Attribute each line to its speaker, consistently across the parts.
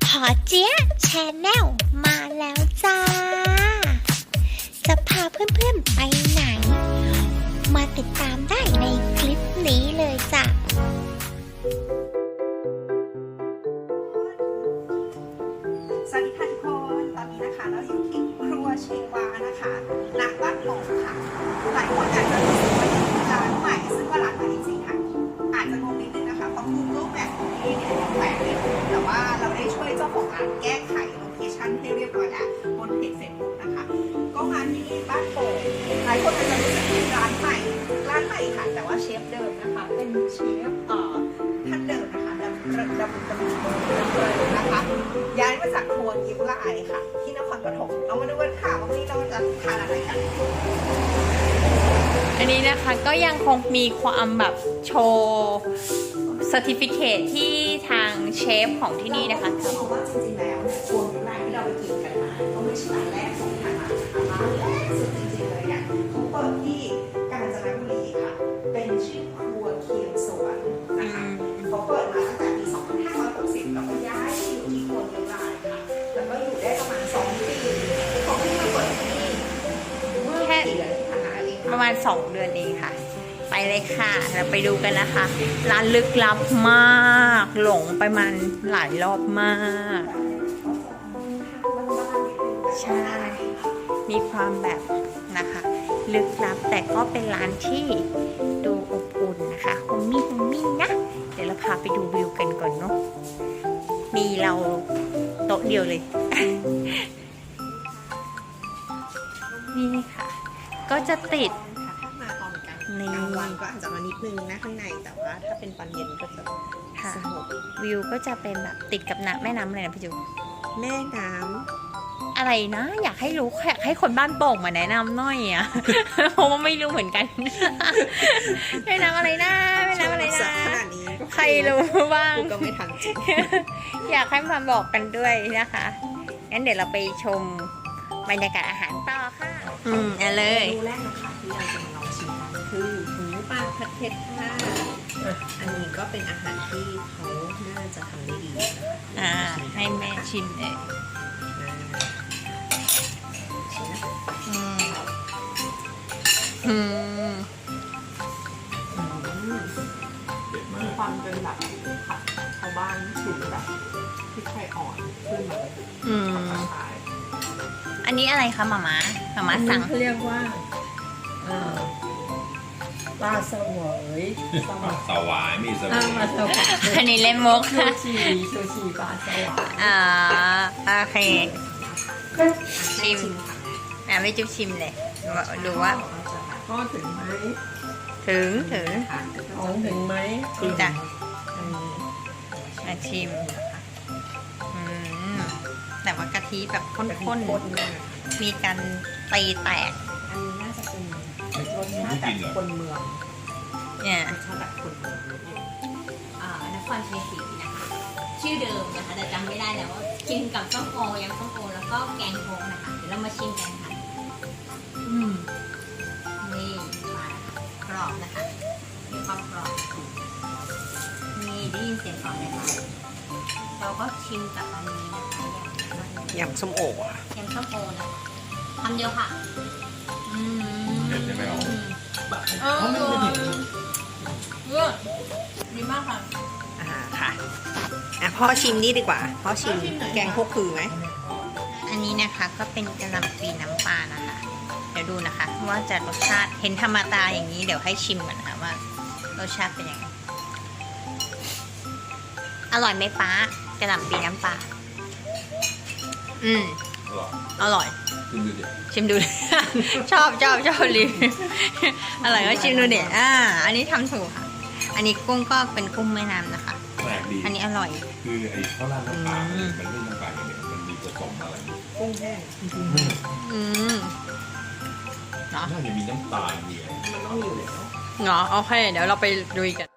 Speaker 1: พอเจี๊ยะแชนแนลมาแล้วจ้า จะพาเพื่อนๆไปไหน มาติดตามได้ในคลิปนี้เลยจ้ะ
Speaker 2: สวัสดีค่ะทุกคนตอนนี้นะคะเราอยู่ที่ครัวเชวานะคะณบ้านโป่งค่ะหลายคนอาจจะรู้สึกว่าอยู่ร้านใหม่ซึ่งว่าร้านใหม่จริงๆค่ะอาจจะงงนิดนึงนะคะเพราะ Google Map ของที่เนี่ยแปลกเลยแต่ว่าเราได้ช่วยเจ้าของร้านแก้ไขโลเคชั่นให้เรียบร้อยแล้วบนเพจเฟซบุ๊กนะคะก็มาที่บ้านโป่งหลายคนอาจจะรู้สึกเป็นร้านใหม่ค่ะแต่ว่าเชฟเดิมนะคะเป็นเชฟท่านเดิมนะคะดำนะคะย้ายมาจากครัวยิ้มละไอค่ะที่นครปฐมเรามาดูกันค่ะว่าวันนี้เราจะทานอะไรกัน
Speaker 3: อันนี้นะคะก็ยังคงมีความแบบโชว์เซอร์ติฟิเคทที่ทางเชฟของที่นี่นะคะ
Speaker 2: จะบอกว่าจริงๆแล้วครัวยิ้มละไอที่เราไปกินกันมาก็ไม่ใช่ร้านแรกของทางร้านนะคะร้านแรกสุดจริงๆเลยเนี่ยเขาเปิดที่กาญจนบุรีค่ะเป็นชื่อครัวเคียงสวนนะคะเขาเปิดมาตั้งแต่ปี 2560แล้วก็ย้ายที่อยู่ที่ครัวยิ้มละไอค่ะแล้วก็อยู่ได้ประมาณ 2 ปีเขาเพิ่งมาเปิดที่นี่เมื่อกี่เดือนที่ผ่านมาเอง
Speaker 3: ประมาณ2 เดือนเองค่ะ ไปเลยค่ะเราไปดูกันนะคะ ร้านลึกลับมากหลงไปมันหลายรอบมาก ใช่ มีความแบบนะคะ ลึกลับแต่ก็เป็นร้านที่ดูอบอุ่นนะคะโฮมมี่นะ เดี๋ยวเราพาไปดูวิวกันก่อนเนาะมีเราโต๊ะเดียวเลย นี่ค่ะ ก็จะติด
Speaker 2: ถ้ามาตอนกลาง
Speaker 3: นี่
Speaker 2: วันก็อาจจะมานิดนึงนะข้างในแต่ว่าถ้าเป็นตอนเย็นก็จะ
Speaker 3: ค่ะ
Speaker 2: สงบ
Speaker 3: วิวก็จะเป็นแบบติดกับแม่น้ำอะไรนะพี่จู
Speaker 2: แม่น้
Speaker 3: อะไรนะ อยากให้รู้อยากให้คนบ้านโป่งมาแนะนำหน่อยอ่ะ เพราะว่าไม่รู้เหมือนกัน แม่น้ำอะไรนะ
Speaker 2: ำ
Speaker 3: แม่น้ำอะไร
Speaker 2: สัก
Speaker 3: นะ
Speaker 2: ขนาดนี้ก็
Speaker 3: ใครรู้บ้าง
Speaker 2: กูก็ไม่ทันจริง
Speaker 3: อยากให้มาบอกกันด้วยนะคะงั้นเดี๋ยวเราไปชมบรรยากาศอาหารต่อค่ะเอาเลย
Speaker 2: เมนูแรกนะคะที่เราจะมาลองชิมกันคือหมูปลาผัดเผ็ดค่ะอันนี้ก็เป็นอาหารที่เขาน่าจะทำได้ดีนะคะ
Speaker 3: ให้แม่ชิมเลย
Speaker 2: ชิมนะคะ
Speaker 3: อืม
Speaker 2: มีความเป็นแบบผัดชาวบ้านถึงแบบพริกไทยอ่อนขึ้นมาเลย
Speaker 3: อืม
Speaker 2: ผัดกระชาย
Speaker 3: อันนี้อะไรคะหมาม่าสั่ง
Speaker 4: เขาเรียกว่าปลาสวยสวาย
Speaker 5: สวายมีสวาย
Speaker 4: ปลาสวาย
Speaker 3: อันนี้เล่นมุก
Speaker 4: ชู
Speaker 3: ค่ะ
Speaker 4: ชีปลาสวาย
Speaker 3: โอเค ชิม ไม่จุ๊บชิมเลยดูว่า
Speaker 4: ก็ถึงไหม
Speaker 3: ถึง
Speaker 4: ของถึงไหม
Speaker 3: ถึงจ้ะชิมแต่ว่ากะทิแบบข้นๆ มีการตีแตก
Speaker 2: อันนี้น่าจะเป็นรสชาติแบบคนเมือง
Speaker 3: เนี่ย
Speaker 2: รสชาติแบบคนเมืองนิดนึง
Speaker 6: นครชัยศรีนะคะ ชื่อเดิมนะคะแต่จำไม่ได้แล้วว่ากินกับส้มโอยำส้มโอแล้วก็แกงโคกนะคะ เดี๋ยวเรามาชิมกันค่ะนี่มาแล้วค่ะกรอบนะคะมีความกรอบนี่ได้ยินเสียงกรอบไหมคะเราก็ชิมกับอันนี้นะคะ
Speaker 2: ย
Speaker 6: อย่าง
Speaker 2: ำส้มโอค่ะ
Speaker 6: ยำส้มโอนะคะคำเดียวค่ะ
Speaker 5: เผ็ดใช่ไหมอ๋อ
Speaker 3: ดีมากค่ะ
Speaker 2: ค่ะพ่อชิมนี่ดีกว่าพ่อชิมแกงพวกคือไหม
Speaker 3: อันนี้นะคะก็เป็นกะหล่ำปลีน้ำปลานะคะ เดี๋ยวดูนะคะ ว่าจะรสชาติเห็นธรรมดาอย่างนี้เดี๋ยวให้ชิมก่อนนะคะว่ารสชาติเป็นยังไงอร่อยไหมป้ากะหล่ำปลีน้ำปลาอร่อย
Speaker 5: กินดูดิ
Speaker 3: ชิมดู ชอบรีวิวอร่อยก็ชิมดูเด็ดอันนี้ทำถูกค่ะ อันนี้กุ้งก็เป็นกุ้งแม่น้ำนะคะ
Speaker 5: แปลกดี
Speaker 3: อันนี้อร่อย
Speaker 5: คือไอ้ข้าวราดน้ำปลามันไม่น้ำปลาอย่างเดียวมันมีผสมอะไร
Speaker 2: กุ้งแห้ง
Speaker 5: น่าจะมีน้ำตาลมีอะไร
Speaker 2: มันต้องอยู่แล้ว
Speaker 3: เนาะโอเคเดี๋ยวเราไปดูกัน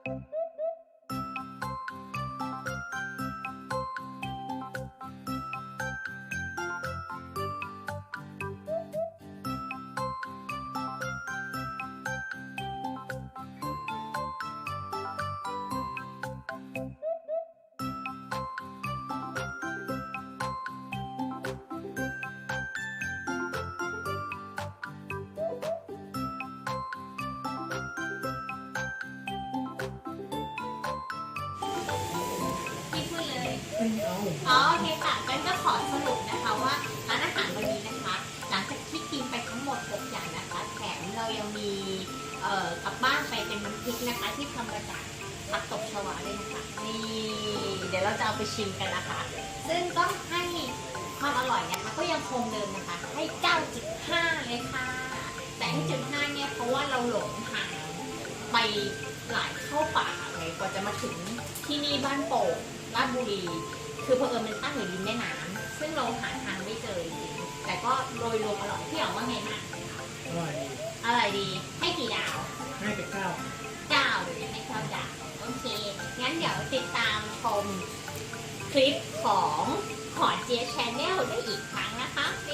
Speaker 6: อ๋อโอเคค่ะกันก็ขอสรุปนะคะว่าร้านอาหารวันนี้นะคะ หลังจากที่กินไปทั้งหมด6อย่างนะคะ แถมเรายังมีกลับบ้านไปเป็นน้ำพริกนะคะ ที่ทำมาจากผักตบชวาด้วยนะคะนี่เดี๋ยวเราจะเอาไปชิมกันนะคะ ซึ่งก็ให้ความอร่อยนะคะก็ยังคงเดิมนะคะให้ 9.5 เลยค่ะ แต่ให้9.5เนี่ยเพราะว่าเราหลงทางไปหลายเข้าป่าเลยกว่าจะมาถึงที่นี่บ้านโป่งราชบุรี คือเผอิญมันตั้งอยู่ริมแม่น้ำซึ่งเราหาทางไม่เจอจริงๆแต่ก็โดยรวมอร่อยพี่อ๋องว่าไงบ้าง
Speaker 7: อร่อยดี
Speaker 6: อร่อยดีให้กี่ดาว
Speaker 7: ให้ไป9
Speaker 6: 9เลยให้9ดาวโอเคงั้นเดี๋ยวติดตามชมคลิปของหอเจี๊ยบ Channel ได้อีกครั้งนะคะบ๊าย